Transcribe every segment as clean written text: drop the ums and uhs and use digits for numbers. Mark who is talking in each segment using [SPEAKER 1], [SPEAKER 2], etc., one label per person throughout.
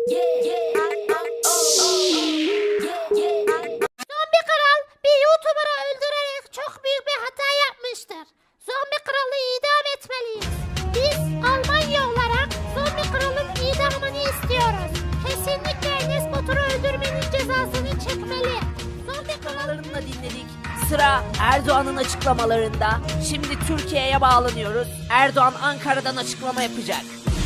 [SPEAKER 1] Zombi kral bir YouTuber'ı öldürerek çok büyük bir hata yapmıştır. Zombi kralı idam etmeliyiz. Biz Almanya olarak zombi kralın idamını istiyoruz. Kesinlikle Enes Batur'u öldürmenin cezasını çekmeli. Zombi kralı...
[SPEAKER 2] Da dinledik. Sıra Erdoğan'ın açıklamalarında. Şimdi Türkiye'ye bağlanıyoruz. Erdoğan Ankara'dan açıklama yapacak.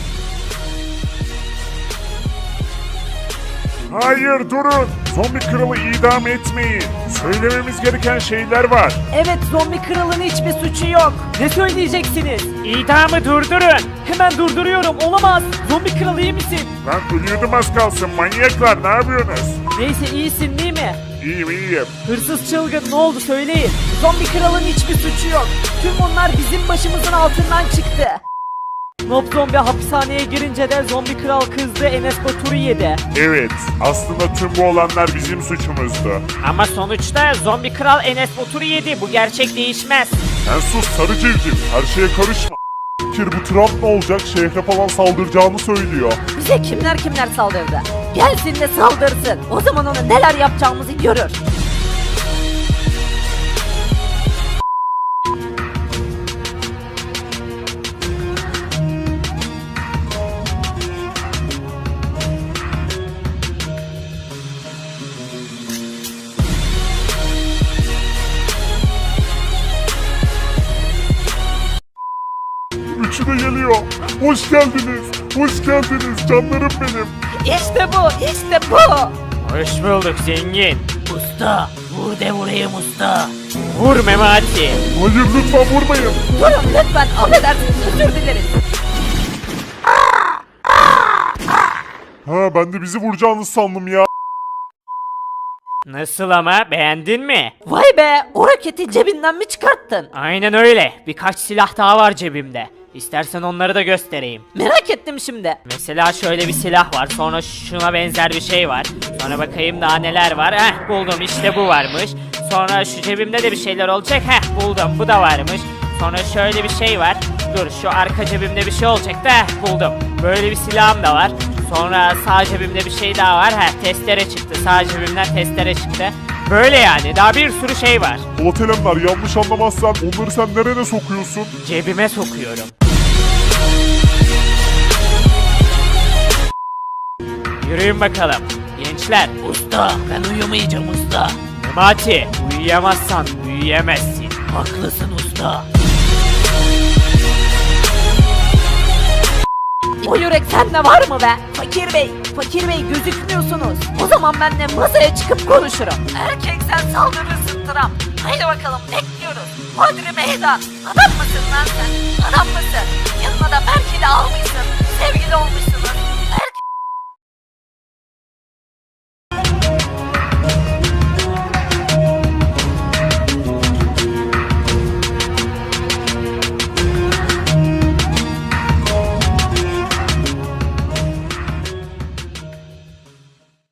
[SPEAKER 3] Hayır durun. Zombi kralı idam etmeyin. Söylememiz gereken şeyler var.
[SPEAKER 4] Evet, zombi kralın hiçbir suçu yok. Ne söyleyeceksiniz? İdamı durdurun. Hemen durduruyorum. Olamaz. Zombi kral iyi misin?
[SPEAKER 3] Lan ölüyordum az kalsın manyaklar, ne yapıyorsunuz?
[SPEAKER 4] Neyse, iyisin değil mi?
[SPEAKER 3] İyiyim.
[SPEAKER 4] Hırsız çılgın, ne oldu söyleyin. Zombi kralın hiçbir suçu yok. Tüm bunlar bizim başımızın altından çıktı. Nob Zombi hapishaneye girince de zombi kral kızdı, Enes Batur'u yedi.
[SPEAKER 3] Evet, aslında tüm bu olanlar bizim suçumuzdu.
[SPEAKER 4] Ama sonuçta zombi kral Enes Batur'u yedi. Bu gerçek değişmez.
[SPEAKER 3] Sen sus sarı civciv, her şeye karışma. Fikir bu Trump ne olacak, şehre falan saldıracağını söylüyor.
[SPEAKER 2] Bize kimler saldırdı? Gelsin de saldırsın. O zaman ona neler yapacağımızı görür.
[SPEAKER 3] Üçü de geliyor. Hoş geldiniz, hoş geldiniz canlarım benim.
[SPEAKER 2] İşte bu.
[SPEAKER 4] Hoş bulduk zengin.
[SPEAKER 2] Usta, vur de vurayım usta.
[SPEAKER 4] Vur Memati.
[SPEAKER 3] Hayır lütfen vurmayın.
[SPEAKER 2] Durun lütfen, affedersiniz, özür dileriz.
[SPEAKER 3] Ha ben de bizi vuracağınızı sandım ya.
[SPEAKER 4] Nasıl ama, beğendin mi?
[SPEAKER 2] Vay be, o roketi cebinden mi çıkarttın?
[SPEAKER 4] Aynen öyle. Birkaç silah daha var cebimde. İstersen onları da göstereyim.
[SPEAKER 2] Merak ettim şimdi.
[SPEAKER 4] Mesela şöyle bir silah var. Sonra şuna benzer bir şey var. Sonra bakayım daha neler var. Heh, buldum, işte bu varmış. Sonra şu cebimde de bir şeyler olacak. Heh, buldum, bu da varmış. Sonra şöyle bir şey var. Dur, şu arka cebimde bir şey olacak da buldum. Böyle bir silahım da var. Sonra sağ cebimde bir şey daha var. Heh, testere çıktı. Sağ cebimden testere çıktı. Böyle yani, daha bir sürü şey var.
[SPEAKER 3] Polat Alemdar, yanlış anlamazsan onları sen nereye sokuyorsun?
[SPEAKER 4] Cebime sokuyorum. Yürüyün bakalım. Gençler.
[SPEAKER 2] Usta, ben uyumayacağım usta.
[SPEAKER 4] Memati, uyuyamazsan büyüyemezsin.
[SPEAKER 2] Haklısın usta. O yürek sende var mı be? Fakir bey gözükmüyorsunuz. O zaman ben de masaya çıkıp konuşurum. Erkeksen saldırırsın Trump. Haydi bakalım, bekliyoruz. Hodri meydan. Adam mısın lan sen? Adam mısın? Yanına da Merkel'i almışsın. Sevgili olmuşsunuz.